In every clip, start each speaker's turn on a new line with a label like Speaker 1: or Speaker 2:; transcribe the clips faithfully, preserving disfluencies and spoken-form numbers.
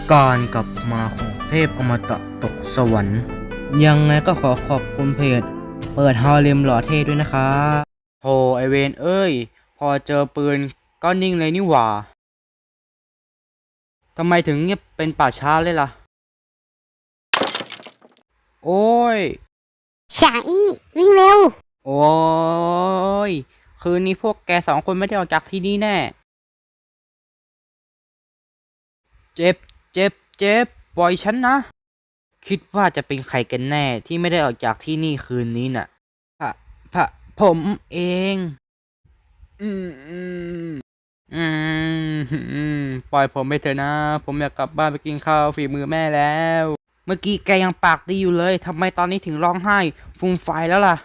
Speaker 1: การกลับมาของเทพอมตะตกสวรรค์ยังไงก็ขอขอบคุณเพจเปิดฮาเลมหล่อเท่ด้วยนะครับโธ่ไอเวนเอ้ยพอเจอปืนก็นิ่งเลยนี่หว่าทำไมถึงเงียบเป็นป่าช้าเลยล่ะโอ้ย
Speaker 2: ฉาอี้วิ่งเร็ว
Speaker 1: โอ้ยคืนนี้พวกแกสองคนไม่ได้ออกจากที่นี่แน่เจ็บเจ็บเจ็บปล่อยฉันนะคิดว่าจะเป็นใครกันแน่ที่ไม่ได้ออกจากที่นี่คืนนี้น่ะพระพระผมเองอืมอืมอืมอืมปล่อยผมไปเถอะนะผมอยากกลับบ้านไปกินข้าวฝีมือแม่แล้วเมื่อกี้แกยังปากดีอยู่เลยทำไมตอนนี้ถึงร้องไห้ฟูมไฟายแล้วล่ะ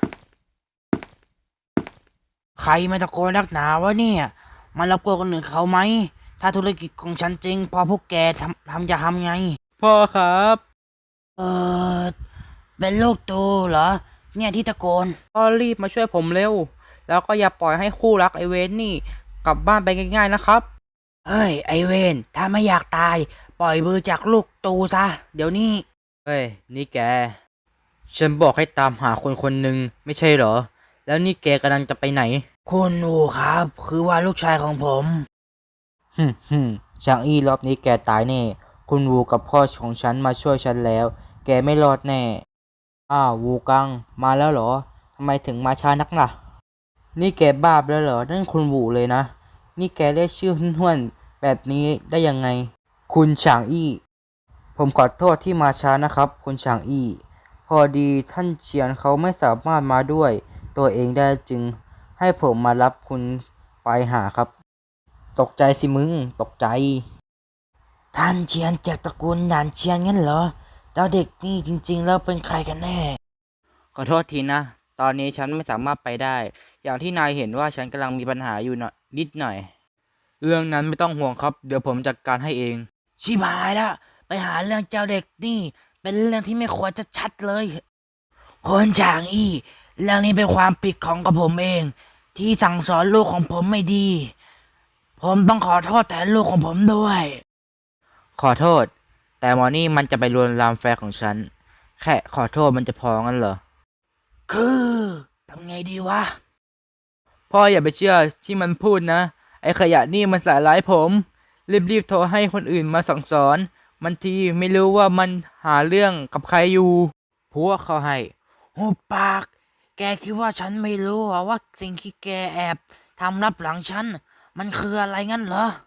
Speaker 1: ใครมาตะโกนนักหนาวะเนี่ยมันรบกวนคนอื่นเขาไหมถ้าธุรกิจของฉันจริงพอพวกแกทำทำจะทำไงพ่อครับเออเป็นลูกตูเหรอเนี่ยที่ตะโกนก็รีบมาช่วยผมเร็วแล้วก็อย่าปล่อยให้คู่รักไอเวนนี่กลับบ้านไปง่ายๆนะครับเฮ้ยไอเวนถ้าไม่อยากตายปล่อยมือจากลูกตูซะเดี๋ยวนี้เฮ้ยนี่แกฉันบอกให้ตามหาคนคนหนึ่งไม่ใช่เหรอแล้วนี่แกกำลังจะไปไหนคุณอูครับคือว่าลูกชายของผมฮึมฮึมชางอี้รอบนี้แกตายแน่คุณวูกับพ่อของฉันมาช่วยฉันแล้วแกไม่รอดแน่อ้าววูกังมาแล้วเหรอทำไมถึงมาช้านักล่ะนี่แกบ้าไปแล้วเหรอนั่นคุณวูเลยนะนี่แกเรียกชื่อห้วนๆแบบนี้ได้ยังไงคุณฉางอี้ผมขอโทษที่มาช้านะครับคุณฉางอี้พอดีท่านเฉียนเขาไม่สามารถมาด้วยตัวเองได้จึงให้ผมมารับคุณไปหาครับตกใจสิมึงตกใจท่านเฉียนจากตระกูลหนานเฉียนงั้นเหรอเจ้าเด็กนี่จริงๆแล้วเป็นใครกันแน่ขอโทษทีนะตอนนี้ฉันไม่สามารถไปได้อย่างที่นายเห็นว่าฉันกำลังมีปัญหาอยู่หน่อยนิดหน่อยเรื่องนั้นไม่ต้องห่วงครับเดี๋ยวผมจัดการให้เองชิบหายละไปหาเรื่องเจ้าเด็กนี่เป็นเรื่องที่ไม่ควรจะชัดเลยคนฉางอี้เรื่องนี้เป็นความผิดของกับผมเองที่สั่งสอนลูกของผมไม่ดีผมต้องขอโทษแทนลูกของผมด้วยขอโทษแต่หมอนี่มันจะไปลวนลามแฟนของฉันแค่ขอโทษมันจะพองั้นเหรอคือทำไงดีวะพ่ออย่าไปเชื่อที่มันพูดนะไอ้ขยะนี่มันใส่ร้ายผมรีบๆโทรให้คนอื่นมาสั่งสอนมันทีไม่รู้ว่ามันหาเรื่องกับใครอยู่พวกเขาให้หุบปากแกคิดว่าฉันไม่รู้เหรอว่าสิ่งที่แกแอบทำลับหลังฉันมันคืออะไรงั้นเหรอ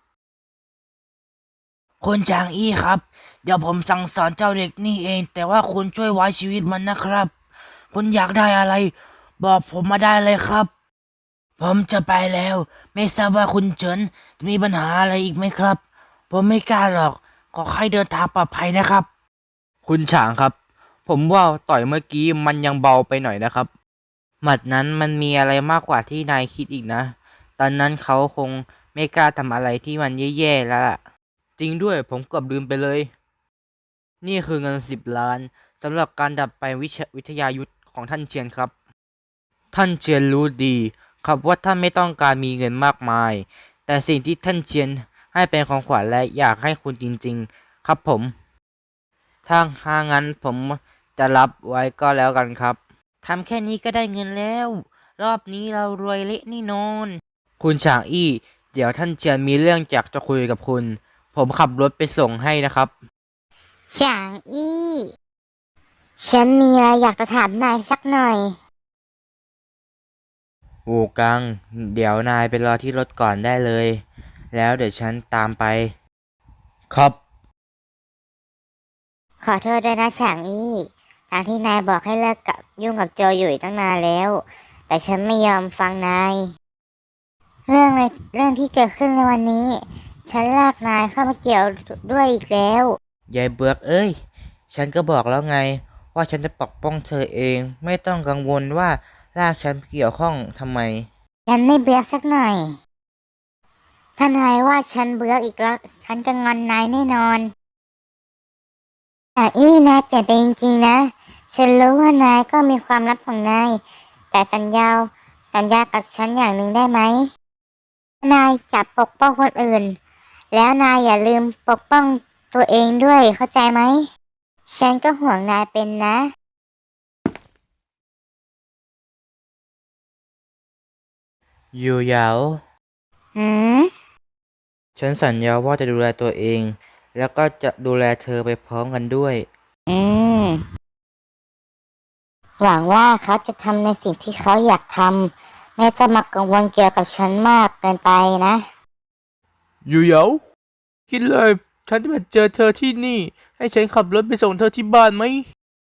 Speaker 1: คุณจางอี้ครับเดี๋ยวผมสั่งสอนเจ้าเด็กนี่เองแต่ว่าคุณช่วยไว้ชีวิตมันนะครับคุณอยากได้อะไรบอกผมมาได้เลยครับผมจะไปแล้วไม่ทราบว่าคุณเฉินจะมีปัญหาอะไรอีกไหมครับผมไม่กล้าหรอกขอให้เดินทางปลอดภัยนะครับคุณฉางครับผมว่าต่อยเมื่อกี้มันยังเบาไปหน่อยนะครับหมัดนั้นมันมีอะไรมากกว่าที่นายคิดอีกนะตอนนั้นเขาคงไม่กล้าทำอะไรที่มันแย่ๆแล้วล่ะจริงด้วยผมเกือบลืมไปเลยนี่คือเงินสิบล้านสำหรับการดับไปวิชวิทยายุทธของท่านเชียนครับท่านเชียนรู้ดีครับว่าท่านไม่ต้องการมีเงินมากมายแต่สิ่งที่ท่านเชียนให้เป็นของขวัญและอยากให้คุณจริงๆครับผมถ้าถ้างั้นผมจะรับไว้ก็แล้วกันครับทำแค่นี้ก็ได้เงินแล้วรอบนี้เรารวยเละนี่นอนคุณฉางอี้เดี๋ยวท่านเชียนมีเรื่องอยากจะคุยกับคุณผมขับรถไปส่งให้นะครับ
Speaker 2: ฉางอี้ฉันมีอะไรอยากจะถามนายสักหน่อย
Speaker 1: วูกังเดี๋ยวนายไปรอที่รถก่อนได้เลยแล้วเดี๋ยวฉันตามไปครับ
Speaker 2: ขอโทษด้วยนะฉางอี้ทางที่นายบอกให้เลิกกับยุ่งกับโจอยู่ตั้งนานแล้วแต่ฉันไม่ยอมฟังนายเรื่องในเรื่องที่เกิดขึ้นในวันนี้ฉันลากนายเข้ามาเกี่ยวด้วยอีกแล้ว
Speaker 1: ยายเบือกเอ้ยฉันก็บอกแล้วไงว่าฉันจะปกป้องเธอเองไม่ต้องกังวลว่าลากฉันเกี่ยวข้องทำไม
Speaker 2: ฉันไม่เบื่อสักหน่อยถ้านายว่าฉันเบื่ออีกแล้วฉันจะงอนนายแน่นอนแต่อี้นายเปลี่ยนไปจริงๆนะฉันรู้ว่านายก็มีความลับของนายแต่สัญญาสัญญากับฉันอย่างหนึ่งได้ไหมนายจะปกป้องคนอื่นแล้วนายอย่าลืมปกป้องตัวเองด้วยเข้าใจไหม ฉันก็ห่วงนายเป็นนะ
Speaker 1: อยู่เหยา
Speaker 2: หืม
Speaker 1: ฉันสัญญาว่าจะดูแลตัวเอง แล้วก็จะดูแลเธอไปพร้อมกันด้วย
Speaker 2: อืม หวังว่าเขาจะทำในสิ่งที่เขาอยากทำไม่จะมากังวลเกี่ยวกับฉันมากเกินไปนะ
Speaker 3: อยู่เหยาคิดเลยฉันจะมาเจอเธอที่นี่ ให้ฉันขับรถไปส่งเธอที่บ้านไหม